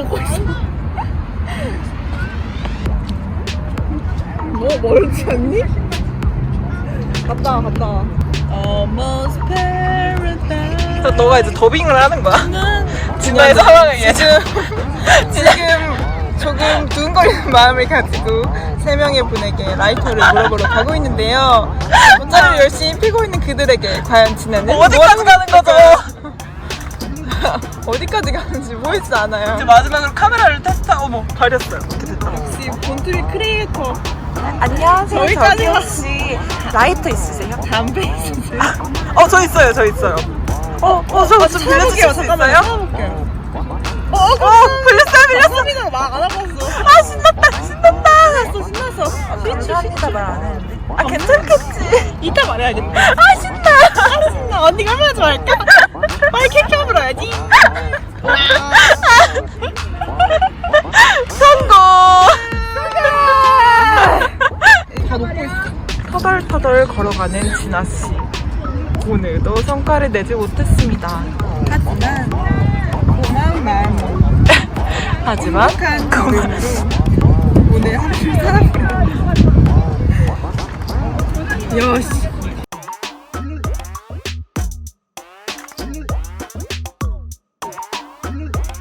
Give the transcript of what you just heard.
먹고 있어. 뭐 멀지 않니? 갔다 와. Almost paradise. 너가 이제 더빙을 하는 거야? 진짜의 상황을 지금 조금 두근거리는 마음을 가지고 3명의 분에게 라이터를 물어보러 가고 있는데요. 문자를 열심히 피고 있는 그들에게 과연 진아는 어디까지 가는 거죠? 어디까지 가는지 보이지 않아요. 이제 마지막으로 카메라를 테스트하고 어머 가렸어요. 이렇게 됐다. 역시 본투비 크리에이터. 안녕하세요. 저기까지 저기 혹시 라이터 있으세요? 담배 있으세요? 저 있어요. 저 좀 빌려주실 수 있어요? 빌렸어요. 소리가 막 안 와봤어. 신났다. 신났어. 감사합니다 말 안 했는데. 괜찮겠지. 이따 말해야겠다. 신나. 신나. 언니가 얼마나 좋아할까? 빨리 캡처 불어야지. 성공. 다 녹고 있어. 터덜터덜 걸어가는 진아 씨. 오늘도 성과를 내지 못했습니다. 하지만 고마운 마음으로 하지만 걸음으로 오늘 하루를 살아보려. 야 씨.